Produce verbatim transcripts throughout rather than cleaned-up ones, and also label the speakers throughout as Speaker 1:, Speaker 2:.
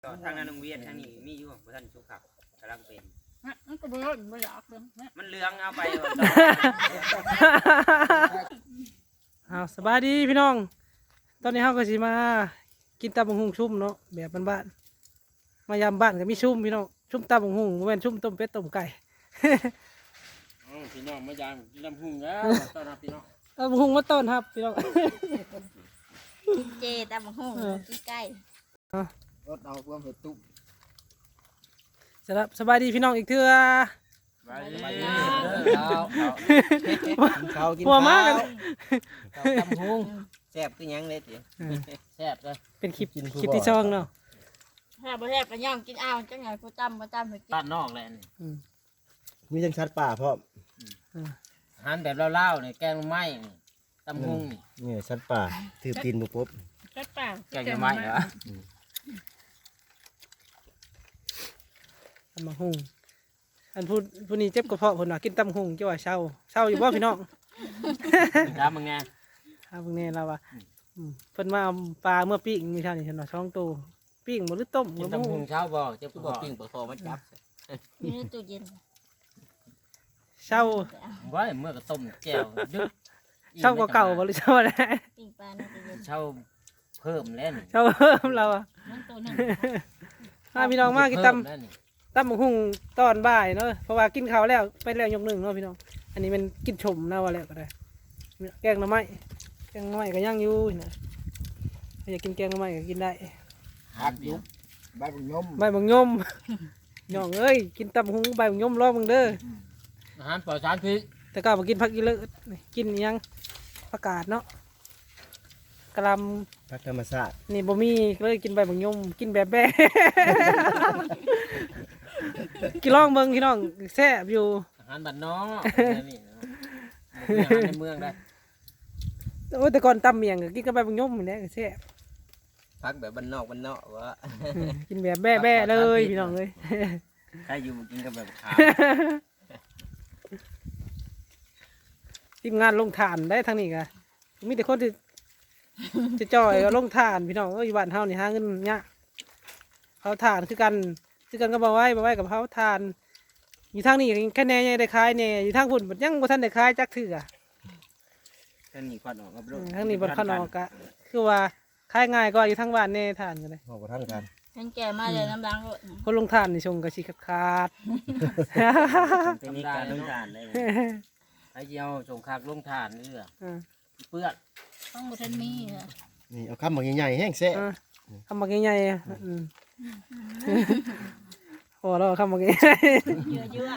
Speaker 1: ทางนั้นโรงเรียนทางนี้มีอยู่บ่ท่านสุขับกำลังเป็น
Speaker 2: มันก็บ่ร้อนบ่อยากเลย
Speaker 1: มันเหลืองเอาไป
Speaker 3: อ้าวสบายดีพี่น้องตอนนี้เฮาก็สิมากินตำบักหุ่งชุ่มเนาะแบบบ้านๆมายามบ้านก็มีชุ่มพี่น้องชุ่มตำบักหุ่งบ่แม่นชุ่มต้มเป็ดต้มไก่
Speaker 1: อ๋อพี่น้องมายามกินน้ำหุ่งแล้วต้อนรับพี่น้อง
Speaker 3: ตำบักหุ่งมาต้อนรับพี่น้อง
Speaker 2: กินเจตำบักหุ่งกินไก่
Speaker 4: รถเอาความเผ็ดตุ้ม
Speaker 3: สำหรับสบายดีพี่น้องอีกเทื่อ
Speaker 1: ไปดี
Speaker 4: ข้าวกิน
Speaker 3: หัว
Speaker 4: ข้าว
Speaker 3: มากกัน
Speaker 4: ข้าวตำหุงแซ่บคือหยังเลยติแซ่บเลย
Speaker 3: เป็นคลิปคลิปที่ช่องเนาะ
Speaker 2: แซ่บบ่แซ่บก็ย่องกินเอาจังไงกูตำบ่ตำให้กิน
Speaker 1: บ้านนอกแหละนี่
Speaker 3: อืม
Speaker 4: มีจังชัดป่าพร้อม
Speaker 1: อาหารแบบเล่าๆนี่แกงไม้นี่ตำหุ่งนี่
Speaker 4: นี่ชัดป่าถือตีนบุปุ๊บ
Speaker 2: แซ่บป่า
Speaker 1: แกงไม้เหรอ
Speaker 3: ตำบักหุ่งอันพูดผู้นี้เจ็บกระเพาะเพิ่นว่ากินตำบักหุ่งจังว่าเศร้าเศร้าอยู่บ่พี่น้อง
Speaker 1: ครับมึงไง
Speaker 3: ครับเพิ่งแน่เราว่าอืมเพิ่นมาเอาปลาเมื่อปิ้งมีเท่านี้เพิ่นว่าช่องโตปิ้งบ่หรือต้ม
Speaker 1: กิน
Speaker 3: บ่
Speaker 1: ตำ
Speaker 3: รู้
Speaker 1: หุ่งเช้าบ่เจ็บบ่ปิ้งปลาคอมาจับ
Speaker 2: อยู่ในตู้เย็น
Speaker 3: เศร้า
Speaker 1: ไว้เมื่อก็ต้มแจ่วดึก
Speaker 3: เศร้ากว่าเก่าบ่หรือเศร้าอะไร
Speaker 2: ปิ้งปลาในตู้เย็น
Speaker 1: เช้าเพิ่มแล้วนี่
Speaker 3: เศร้าเพิ่มเราอ่ะ
Speaker 2: มันตัวนึง
Speaker 3: มาพี่น้องมากินตำ
Speaker 1: เพิ่มแล้วนี่
Speaker 3: ตำบักหุ่งตอนบ่ายเนาะเพราะว่ากินข้าวแล้วไปแล้วยกหนึ่งเนาะพี่น้องอันนี้มันกินชมนะว่าแล้วก็ได้แกงหน่อไม้แกงหน่อไม้ก็ย่างอยู่นะถ้าอยากกินแกงหน่อไม้ก็กินได้
Speaker 1: หัดยุบ
Speaker 4: ใบบุญยม
Speaker 3: ใบบังยม น้องเอ้ยกินตำบักหุ่งใบบังยมรอบมึงเด้อ
Speaker 1: อาหารปลอดสารพิษ
Speaker 3: แต่ก็มากินผักอีเลิศกินอิหยังผักกาดเนาะกะหล
Speaker 4: พักธรรมชาติ
Speaker 3: ำนี่บ่มีเลยกินใบบังยมกินแบบแบ่ กินลองเบิ่งพี่น้องแซ่บอยู่
Speaker 1: อาหารบ้านนอกนี่เนาะอาหารในเมืองได้
Speaker 3: โอ้ยแต่ก่อนตำเมียงก็กินกับใบบังยมนี่แหละก็แซ่บ
Speaker 4: พักแบบบ้านนอกบ้านนอกวะ
Speaker 3: อืมกินแบบแบ่แบ่เลยพี่น้องเลย
Speaker 1: ใครอยู่กินกับแบบขาว
Speaker 3: ทีมงานลงทานได้ทางนี้กะมีแต่คนที่ จะจ่อยก็ลงทานพี่น้องเอ้ยอยู่บ้านเฮานี่หาเงินยากเผาทานคือกันคือกันก็บ่ไว้บ่ไว้กับเผาทานอยู่ทางนี้แค่แน่ยังได้ขายแน่อยู่ทางพุ่นบัดยังบ่ทันได้ขายจักเทื่อ
Speaker 1: ท่านนี่ควันออกกับ
Speaker 3: อืมทางนี้บ่คันออกกะคือว่าขายง่ายกว่าอยู่ทางบ้านแน่ทานกันเลย
Speaker 4: บอกกับท่านกัน
Speaker 2: เห็นแก่มาเลยน้ำล้างรถ
Speaker 3: คนลงทานนี่ชงก็สิขาด
Speaker 1: เป็นนิการลงทานได้ไอ้เจียวส่งคากลงทานนี่เหรอ
Speaker 3: ๆอ่า
Speaker 1: เปื้อน
Speaker 2: ต้องบ่ทันมีเหรอ
Speaker 4: นี่เอาคำบอกใหญ่ๆแห้งแซ่บ
Speaker 3: อ่าคำบักใหญ่ๆอ่ะอืมพอแล้วคำบักใหญ่
Speaker 2: เยอะเยอะ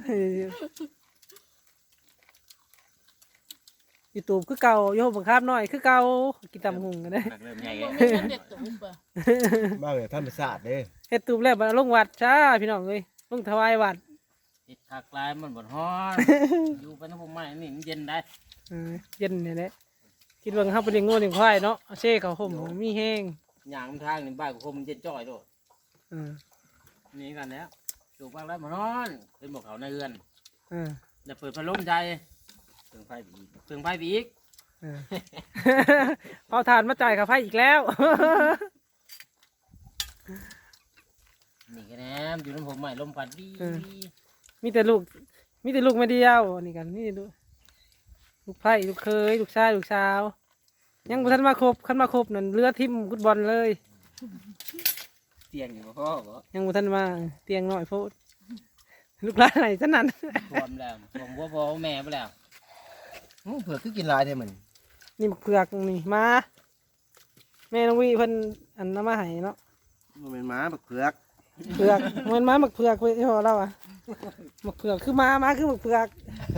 Speaker 3: ๆ YouTube คือเก่าโยมบังคับน้อยคือเก่ากินตำหุงกันได้
Speaker 1: หนักเริ่มใหญ่
Speaker 2: บ่มีสำเร็จตุ้มบ่
Speaker 4: บ้าแบบธรรมชาติเด้
Speaker 3: เฮ็ดตูบแล้วบัดลงวัดจ้าพี่น้องเอ้ยลงถวายวัด
Speaker 1: ติดขากลายมันบดฮ้อนอยู่ไปน้ำผมใหม่นี่มันเย็นได้
Speaker 3: เออเย็นนี่แหละคิดว่าเฮาเป็นเลี้ยงงูเลี้ยงควายเนาะเอาเซ่เขาห่มมีแห้ง
Speaker 1: หยางทางนี่บ้านกูคมมันเย็นจ่อยโดด
Speaker 3: เออ
Speaker 1: นี่กันแล้วสูบบ้างแล้วมันฮ้อนเป็นบอกเขาในเรือน
Speaker 3: เออ
Speaker 1: จะเปิดพัดลมใจเติงไฟบีกเติงไฟบีก
Speaker 3: เออ เอาทานมาจ่ายค่าไฟอีกแล้ว
Speaker 1: นี่กันแหนมอยู่น้ำผมใหม่ลมพัดดี
Speaker 3: มีแต่ลูกมีแต่ลูกไม่เดียวอันนี้กันนี่ลูกลูกไผ่ลูกเคยลูกชายลูกสาวยังบ่ทันมาครบคันมาครบนั่นเรือทิ่มฟุตบอลเลย
Speaker 1: เตียงอยู่กับพ่อบ่
Speaker 3: ยังบ่ทันมาเตียงน้อยโพดลูกหลานไหนซะนั่น
Speaker 1: รวมแล้วผมว่าพ่อแม่ไปแล้ว
Speaker 4: อื้อเผื่อคือกินหลายเท่เหมือน
Speaker 3: นี่บักเผือกนี่มาแม่น้องวีเพิ่นอันนำมาให้เนาะ
Speaker 4: มันเป็นม้าบักเผือก
Speaker 3: เผือกเหมือนม้าบักเผือกเว้ยที่พ่อเราอ่ะบักเผือกคือม้าม้าคือบักเผือก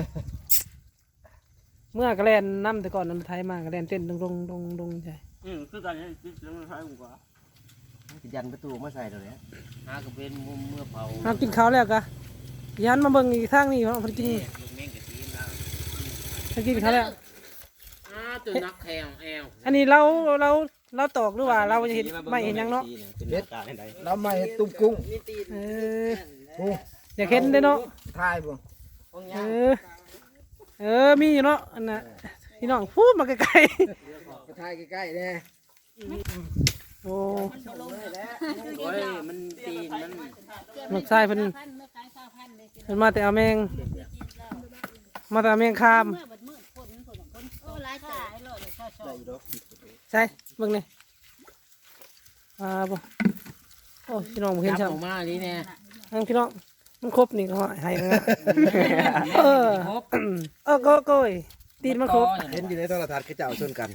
Speaker 3: เมื่อกระแลนน้ำแต่ก่อนน้ำไทยมากระแลนเต้นดงดงดงดงใช่
Speaker 1: อืมคือตอนนี้คิดแล้วมันใช่ผมกว่า
Speaker 4: ยันประตูมาใส่ตัวเนี้ย
Speaker 1: หากระเป็นมุมเมื่อเผา
Speaker 3: เอากินข้าวแล้วกะยันมาเบิ่งอีกทางนี่เพราะเพิ่นกิน
Speaker 1: ลูกเม่งกะทิแล้ว
Speaker 3: เพิ่นกินข้าวแล้ว
Speaker 1: อ้าตัวนักแข่งแอล
Speaker 3: อันนี้เราเราเราตอกหรือว่าเราจะเห็นไม่เห็นหยังเนาะ
Speaker 1: เด็ดการใด
Speaker 4: เราไม่ตุ้มกุ้ง
Speaker 3: เอออยากเห็นเด้อเนาะ
Speaker 4: ทายบ่
Speaker 3: เออเออมีอยู่เนาะอันน่ะพี่น้องพูดมาไกล
Speaker 4: ทายใกล้ๆเนี่ย
Speaker 3: ๆโอ้
Speaker 1: โอ้ยมันตีนมัน
Speaker 3: ลูกชายเพิ่นเพิ่นมาแต่เอาแมงมาแต่เอาแมงคาม
Speaker 2: โอ้หลายจ่ายเลยชอบชอบ
Speaker 3: ใช่เบิ่งนี่อ่าบ่โอ้พี่น้องบ่เห็น
Speaker 1: จับ
Speaker 3: ซ้ํ
Speaker 1: ออกมาดิแน่
Speaker 3: ทั้งพี่น้องมันครบนี่ก็ให้นะเออ
Speaker 1: ครบ
Speaker 3: เออโก็โก้ยตีนมันครบ
Speaker 5: เห็นอยู่ในโทรทัศน์คือจะเอาชนกัน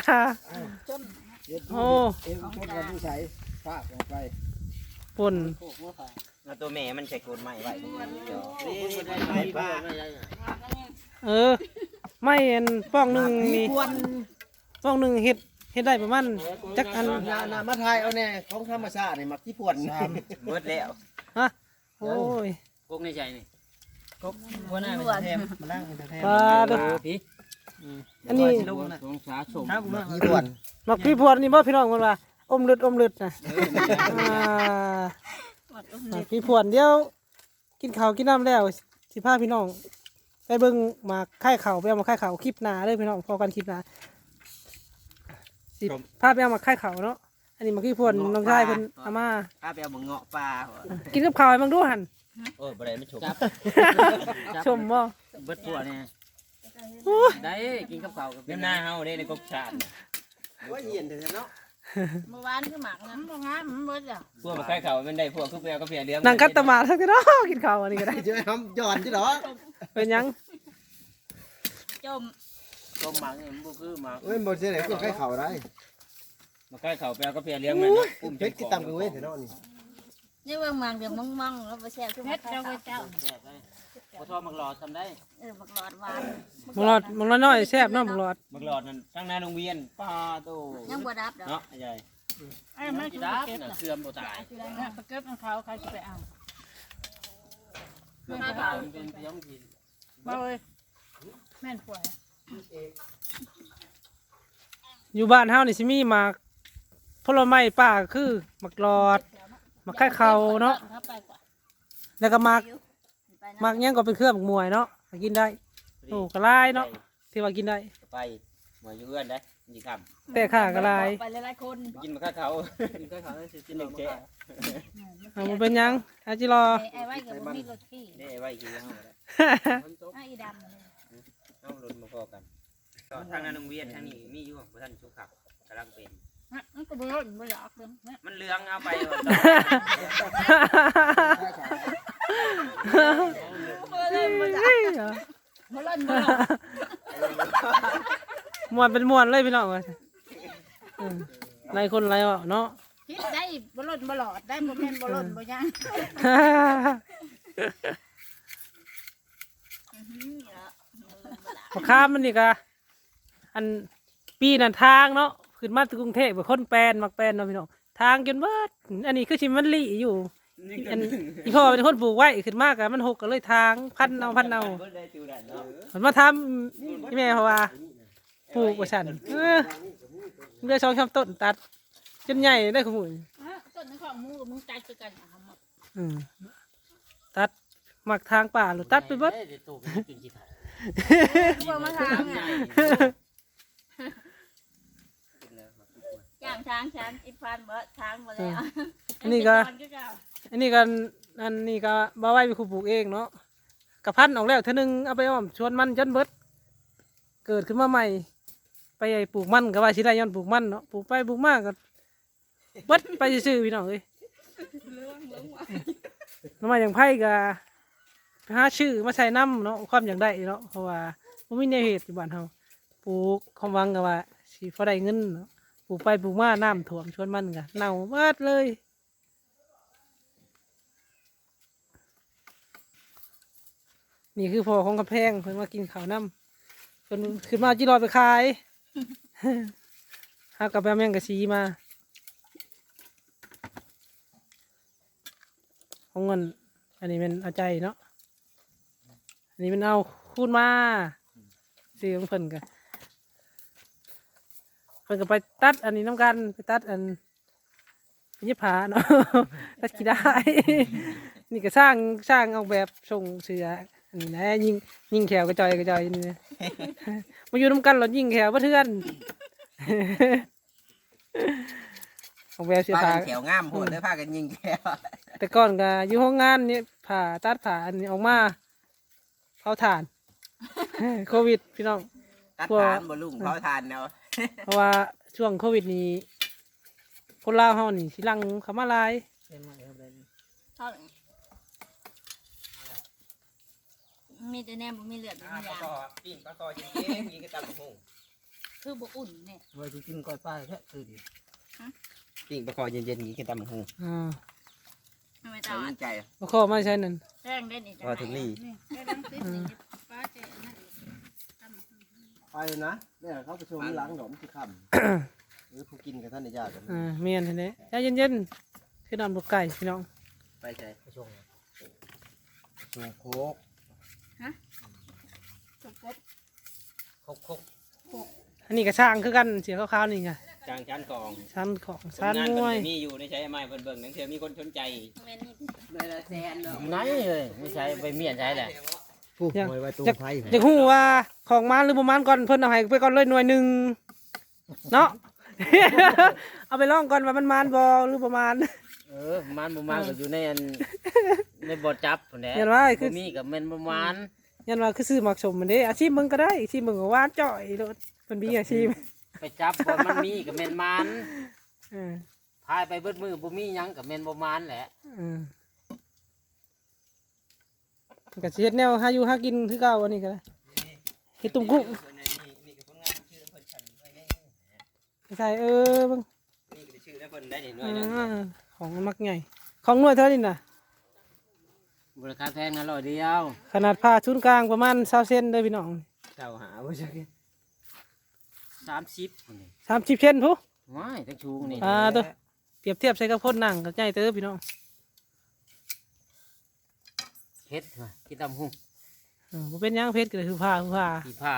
Speaker 3: โอ้
Speaker 5: เอ็มชนกันผู้ใช้ภาพลงไป
Speaker 3: ปุ่น
Speaker 4: เอาตัวแม่มันใส่โกนใหม่ไว้เดี๋ยว
Speaker 1: นี่
Speaker 4: นี่
Speaker 1: ได้
Speaker 4: ได้
Speaker 1: ไม่
Speaker 4: ไม่
Speaker 1: บ้า
Speaker 4: บ้า
Speaker 3: เออไม่เห็นป้องหนึ่งนี่
Speaker 5: ควร
Speaker 3: ป้องหนึ่งเฮ็ดเฮ็ดได้ประมาณจักอัน
Speaker 5: นานามาไทยเอาแน่ของธรรมชาตินี่มักที่พวน
Speaker 4: เบิดแล้ว
Speaker 3: ฮะโอ้ย
Speaker 1: พวกในใจนี่
Speaker 4: ก็หัวหน้าเป็นแทมมานั่งเป็นแทม
Speaker 3: ปลาดุ
Speaker 1: พี่
Speaker 3: อันนี้
Speaker 1: สงสารชม
Speaker 5: ที่พวน
Speaker 3: มักพี่พวนนี่บ่พี่น้องมันว่าอมเลือดอมเลือดนะอ่ามักพี่พวนเดี๋ยวกินข้าวกินน้ำแล้วสิพาพี่น้องไปเบิ่งหมากไข่ข้าวไปเอาหมากไข่ข้าวคลิปหน้าเด้อพี่น้องพอกันคลิปหน้าสิพาไปเอาหมากไข่ข้าวเนาะอันนี้มักพี่พวนน้องชายเพิ่นเอามา
Speaker 4: ป้าไปเอาหมึงเงาะปลา
Speaker 3: กินกับข้าวให้มึงดูหั่น
Speaker 4: โอ้ยบ่ได้ไม่ฉก
Speaker 1: จับ
Speaker 3: ชมบ่
Speaker 1: เบิดตัวเนี่ย
Speaker 3: โอ้ย
Speaker 1: ได้กินกับข้าวกับ
Speaker 4: เดี๋ยวหน้าเฮาได้ในกบชาติ
Speaker 5: ว่าเย็นเถอะเนาะ
Speaker 2: เมื่อวานคือหมักนะบ่งามมันเบิดอ่ะ
Speaker 4: พวกมาใกล้เขามันได้พวกคือเปียก็เปียเลี้ยง
Speaker 3: นั่งกัดตะหมาสักทีเนาะกินข้าวอันนี้ก็ได้
Speaker 5: จะทำย้อนที่หรอ
Speaker 3: เป็นหยัง
Speaker 2: จม
Speaker 1: ต้มหมักนี่มันบ่คือหมัก
Speaker 5: เว้ยบนเสียไหนก็ใกล้เข่าได้
Speaker 4: มาใกล้เขาเปียก็เปียเลี้ยงมันอุ้ม
Speaker 5: เพชรกินตำกันเว้ยเถอะเนาะนี่
Speaker 2: นี่เบิ่งมังเดี๋ยวมองๆแล้วบ่แซ่บคือมักเจ้าเจ้า
Speaker 1: แซ่บได้พอทอดมักหลอดทำได้
Speaker 2: เออบักหลอดหวาน
Speaker 3: มังหลอดมังหลอดน้อยแซ่บเนาะมังหลอด
Speaker 4: บักหลอดนั่นตั้งหน้าโรงเรียนป้าโต
Speaker 2: ยังบ่ดับดอก
Speaker 4: เนาะใหญ่
Speaker 2: เอ้ยมัน
Speaker 1: กี
Speaker 2: คือ
Speaker 1: ดา
Speaker 2: เก็บ
Speaker 1: น่ะ
Speaker 2: น่ะ
Speaker 1: เสื่อมบ่ตาย
Speaker 2: ไปเก็บของเขาใครจะไปเอา
Speaker 1: เสื่อมบ่ตายมันเป็นเพียงกิน
Speaker 2: บ่เอ้ยแม่นป่วย
Speaker 3: อยู่บ้านเฮานี่สิมีหมากผลไม้ป่าคือหมากหลอดหมากไข่ขาวเนาะ
Speaker 2: ถ้าไปกว่า
Speaker 3: แล้วก็หมาก
Speaker 2: ไป
Speaker 3: หมากหยังก็เป็นเครื่องหมากมวยเนาะก็กินได้โอ้ก็หลายเนาะที่ว่ากินได้
Speaker 4: ไปหมวยอยู่เอื้อนได้ยี่ค
Speaker 3: แต่ข้าก็หลาย
Speaker 2: ไปหลายๆคน
Speaker 4: ำกินมาข้าเขา
Speaker 1: กินกับข้าวได้สิ
Speaker 4: กินหนึ่งแกะ
Speaker 3: เอามันเป็นหยังอาจิรอ
Speaker 2: ไอ้ไว้กับบ่มีรถขี่
Speaker 4: ได้ไว้กินแล้วได้
Speaker 2: ไอ้อีดำเลย
Speaker 4: เอาลุ้นมาพอกันทางหน้าโรงเรียนทางนี้มีอยู่บ่ท่านสุขับกำลังเป็น
Speaker 2: มันก็บ่รถบ่อยากเลย
Speaker 4: มันเลืองเอาไป
Speaker 2: บ่เล่นบ่
Speaker 3: มวนเป็นมวนเลยพี่น้องเอ้ยเออหลายคนหลายเว้าเนาะ
Speaker 2: คิดได้บ่ล่นบ่หลอดได้บ่แม่นบ่ล่นบ่ยัง
Speaker 3: มะขามมันนี่ก็อันปีนั่นทางเนาะขึ้นมาถึงกรุงเทพเป็นคนแปลนมักแปลนเนาะพี่น้องทางจนเบิดอันนี้คือชิมันลี่อยู่อันอีพ่อเป็นคนปลูกไว้ขึ้นมากอะมันหกก็เลยทางพันเอาพันเอามันมาทำที่แม่เพราะว่าปลูกว่าฉันเออเลือกช่องชต้นตัดจนใหญ่ได้ขมุน
Speaker 2: ต้นของมูกับมึงใจคือกันเอามา
Speaker 3: อืมตัดหมักทางป่าหรือตัดไปเบิด
Speaker 1: เดี๋ยวตู้กินกี่ถาด
Speaker 2: คือบ่มาทางอ่ะย่างช้างช้างอีพันบ่ทางบ่แล้ว
Speaker 3: อันนี้ก็อันนี้กันอันนี้ก็บ่ไว้ไปคูปลูกเองเนาะกระพันออกแล้วเท่านึงเอาไปอ้อมชวนมันจนเบิดเกิดขึ้นมาใหม่ ไปปลูกมันก็ว่าสิได้ย้อนปลูกมันเนาะปลูกไปปลูกมากก็เบิดไปซื่อๆพี่น้องเอ้ยน้ำมันอย่างไผ่ก็ไปหาชื่อมาใส่น้ำเนาะความอย่างได้เนาะเพราะว่าบ่มีแนวเหตุอยู่บ้านเฮาปลูกความหวังก็ว่าสิพอได้เงินเนาะปลูกไปปลูกมาน้ำท่วมชวนมันก็เน่าเบิดเลย นี่คือพ่อของกำแพงเพิ่นมากินข้าวน้ำเพิ่นขึ้นมาจีรอไปขาย หากับแม่แมงกะซีมาของเงินอันนี้เป็นเอาใจเนาะอันนี้เป็นเอาคูณมาซื้อของเพิ่นกันเพิ่นก็ไปตัดอันนี้น้ำกันไปตัดอันยิบผาเนาะ ตัดกี่ได้ นี่ก็สร้างสร้างออกแบบส่งเสืออันนี้นะยิงยิงแขวกระจอยกระจอยนี่นะ มาอยู่น้ำกันเรายิงแขวบ่เทื่อนของแววเสื้อ
Speaker 4: พา
Speaker 3: ผ้า
Speaker 4: กันแถวงามโพดเด้อพากันยิงแก้ว
Speaker 3: แต่ก่อนก็อยู่ห้องงานนี่ผ่าตัดผ่าอันนี้ออกมาเผาถ่าน โควิดพี่น้อง
Speaker 4: ตัด
Speaker 3: พวก
Speaker 4: ทานบ่ลุงเผาทานเนาะ
Speaker 3: เพราะว่าช่วงโควิดนี้คนลาวเฮานี่สิลังเขามาหลาย
Speaker 2: เท่าไหร่มีแต่แนมบ่มีเลือดบ่
Speaker 4: อ่า
Speaker 2: มี
Speaker 4: ปลาย
Speaker 2: าง
Speaker 4: คอปิ้งปลาคอยิงเองยิงกระตับหุ่ง
Speaker 2: คือบ่อุ่นเนี่ย
Speaker 1: ว่าสิกินก้อยปลาแท้คือดิ
Speaker 4: ปิ้งปลาคอเย็นๆยิงกระตับหุ่ง
Speaker 3: อ่า
Speaker 2: ทำไม
Speaker 4: ใจ
Speaker 2: ตา
Speaker 4: ใจ
Speaker 3: บ่ขอมาใช้นั่น
Speaker 2: แจ้งได้นี่จัง
Speaker 4: พอถึงนี่
Speaker 5: ไปเลยนะเนี่ยเขาไปชมหลังหนมที่ค่ำหรือผู้กินกับท่านในญาติกัน
Speaker 3: อ่าเมียนเห็นไหมใจเย็นๆคือน้ำลูกไก่พี่น้อง
Speaker 4: ไปใจ
Speaker 1: ไปชง
Speaker 5: ชงโคก
Speaker 2: จบ
Speaker 1: คกคก
Speaker 3: อันนี้ก็ช่างคือกันเสียขาวๆนี่ไง
Speaker 4: จางชั้นกอง
Speaker 3: ชั้นของ
Speaker 4: ผล
Speaker 3: ชั้น
Speaker 4: งาน
Speaker 3: ม
Speaker 4: เพิ่
Speaker 3: วย
Speaker 4: นก็มีอยู่ในใช้ไม้เพิ่นเบิ่งหนังเทื่อมีคนสนใจ
Speaker 2: แม่นี่
Speaker 4: เลยละแสนเนาะ
Speaker 1: ไหนเลยไม่ใช่ไปเมียนใช้แหละ
Speaker 5: ผู้หอยไว้ตรงไฟ
Speaker 3: อยากฮู้ว่าของมันหรือบ่มันก่อนเพิ่นเอาให้ไปก่อนเลยหน่วยหนึงเนาะ เอาไปลองก่อนว่ามันมันบ่หรือบ่มัน
Speaker 1: เออมันบ่มันก็อยู่ในอันในบ่อจับพุ่นแหละ
Speaker 3: เห็นว่าคือ
Speaker 1: บ่มีกับแม่นบ่มัน
Speaker 3: ยันว่าคือซื้อหมักสมมันเด้อาชีพมึงก็ได้อาชีพมึงก็หวานจ่อยโลดเพิ่นมีอาชีพ
Speaker 1: ไปจับบ่มันมีกับแม่นมัน
Speaker 3: เออ
Speaker 1: พายไปเบิดมือบ่มีหยังกับแม่นบ่มันแหละ
Speaker 3: เออก็สิเฮ็ดแนวหาอยู่หากินคือเก่าอันนี้ก็ได้เฮ็ดตุ่มกุ้ง
Speaker 4: นี่ก็ผลงานชื่อเพิ่นฉันไว้แน่
Speaker 3: ใช่เออเบิ่ง
Speaker 4: นี่ก็ชื่อแล้วเพิ่นได้นี่หน่ว
Speaker 3: อ่
Speaker 4: ยหนึง
Speaker 3: าของมักใหญ่ของหน่วยเท่านี้น่ะ
Speaker 1: บริการแพงนะร้อยเดียว
Speaker 3: ขนาดผ้าชุนกลางประมาณ20เซนเด้อพี่น้อง
Speaker 4: เจ้าหาบ่จัก
Speaker 1: สามสิบพุ่นนี่
Speaker 3: สามสิบเซนพุ
Speaker 1: ว้ายทั้งชูงนี่
Speaker 3: อ่าตัวเปรียบเทียบใส่กับพ่นหนังก็ใหญ่เด้อพี่น้อง
Speaker 1: เฮ็ดว่ะกินตำหุ่ง
Speaker 3: เออบ่เป็นหยังเพชรก็คือผ้าคือผ้า
Speaker 1: กี่พาย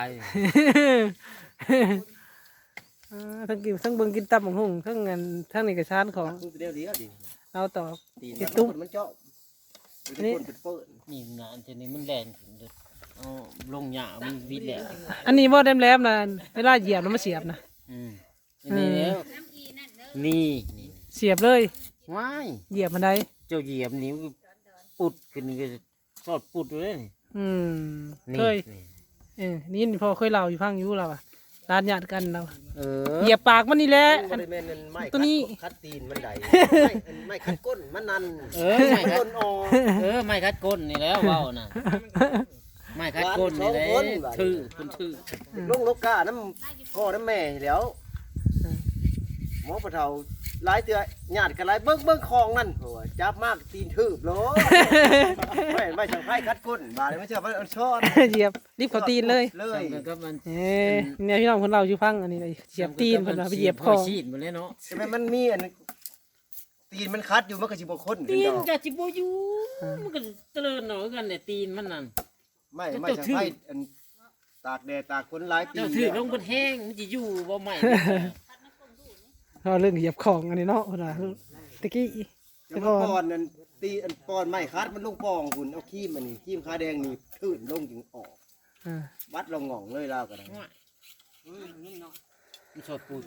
Speaker 3: อ่าทั้งกินทั้งเบิ่งกินตับของหุ่งทั้งเงินทั้งนี่ก็ชานของ
Speaker 5: เดียวเดียวดิ
Speaker 3: เราต่อ
Speaker 5: ตี
Speaker 3: ติ
Speaker 5: น
Speaker 3: ดตุ๊ก
Speaker 5: มันเจาะ
Speaker 3: อันนี้
Speaker 5: เป็นเปิด
Speaker 1: นี่งานเจนี้มันแรงขึ้นเด้อเอาลงหญ้ามันวิดแหละ
Speaker 3: อันนี้บ่แหลมๆนะเวลาเหยียบแล้วมาเสียบนะ
Speaker 1: อืมอันนี่แล้วนี่นี่
Speaker 3: เสียบเลย
Speaker 1: ว้าย
Speaker 3: เหยียบมันได้
Speaker 1: เจ้าเหยียบนิ้วปุดขึ้นนี่ก็สอดปุดเลยนี่
Speaker 3: อืม
Speaker 1: นี่
Speaker 3: เคย
Speaker 1: นี่
Speaker 3: เออนี่พอเคยเล่าอยู่พังอยู่เราอะร้านญาติกันเรา
Speaker 1: เออ
Speaker 3: เหยียบปากมันนี่แหละ
Speaker 5: บริเวณนั้นไม่
Speaker 3: ตัวนี้
Speaker 5: คัดตีนมันใดไม่ไม่คัดก้นมันนัน
Speaker 1: เออไม่คั
Speaker 5: ก้
Speaker 1: ด
Speaker 5: นออก
Speaker 1: เออไม่คัดก้นนี่แล้วเว้าน่ะไม่คัดก้นนี่แหละถือคุณถือ
Speaker 5: ลงลกกาน้ำพ่อน้ำแม่แล้วหมอปะเทาหลายเตือญาติกันหลายเบิ้งเบิ้งคลองนั่นโอ้ยจับมากตีนทืบโลไม่ไม่ช่างไพ่คัดก้นบาดเลยไม่เชื่อว่ามันช้อน
Speaker 3: เหยียบรีบเขาตีนเลย
Speaker 5: เล
Speaker 1: ใช่
Speaker 5: ย
Speaker 1: มันก็มัน
Speaker 3: เอ้ยเนี่ยพี่น้องคนเราอยู่พังอันนี้เลยเหยียบตีนเพิ่นว่าไปเหยียบคอ
Speaker 1: ชีดหมดเลยเนาะ
Speaker 5: ใช่ไหมมันมีอันตีนมันคัดอยู่มันก็สิบคน
Speaker 1: ตีน
Speaker 5: ดอก
Speaker 1: จะจิบอยู่มันก็เจริญหน่อยกันเนี่ยตีนมันนั่น
Speaker 5: ไม่ไม่ช่างไพ่อันตากแดดตากฝนหลายปี
Speaker 1: เจ้าถือลงบนแห้งมันจะอยู่บ่ใหม่
Speaker 3: เราเรื่องเหยียบของอันนี้เนาะเพิ่นว่าตะกี้
Speaker 5: จะมาปอนนั่นตีอันปอนไม่คัดมันลงปองคุณเอาขี้มอันนี้ขี้มขาแดงนี่ทื่นลงจึงออก
Speaker 3: อ่า
Speaker 5: วัดเราง่องเลยแล้วกัน
Speaker 1: มันสดปูด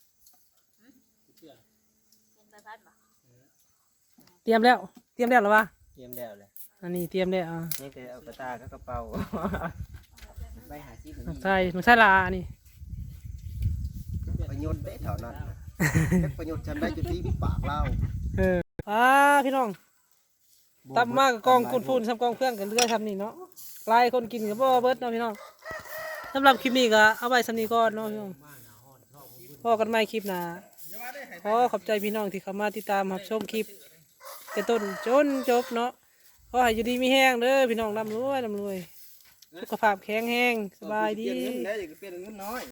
Speaker 3: เตรียมแล้ว เตรียมแล้วเหรอวะ
Speaker 4: เตรียมแล้วเลย
Speaker 3: อันนี้เตรียมแล้วอ่า
Speaker 4: นี่คือเอากระตากับกระเป๋าไปหาที่
Speaker 3: หนูใส่หนูใส่ลาอันนี้
Speaker 5: ประโยชน์ได้เท่านั้นจักประโยชน์ฉันได้จุดที่ปากเล่า
Speaker 3: เอออ่าพี่น้องตับมากกับกองกุนพูนซ้ำกองเพื่อนกันเรื่อยทำนี่เนาะลายคนกินกับบ่เบิดเนาะพี่น้องสำหรับคลิปนี้ก็เอาไว้สำนี้ก่อนเนาะพี่น้องพอกันใหม่คลิปหน้าขอขอบใจพี่น้องที่เข้ามาติดตามรับชมคลิปแต่ต้นจนจบเนาะขอให้อยู่ดีมีแห้งเด้อพี่น้องร่ำรวยร่ำรวยสุขภาพแข็งแรงสบายดี
Speaker 5: เปลี่ยนเงินได้อย่าเปลี่ยนเงินน้อย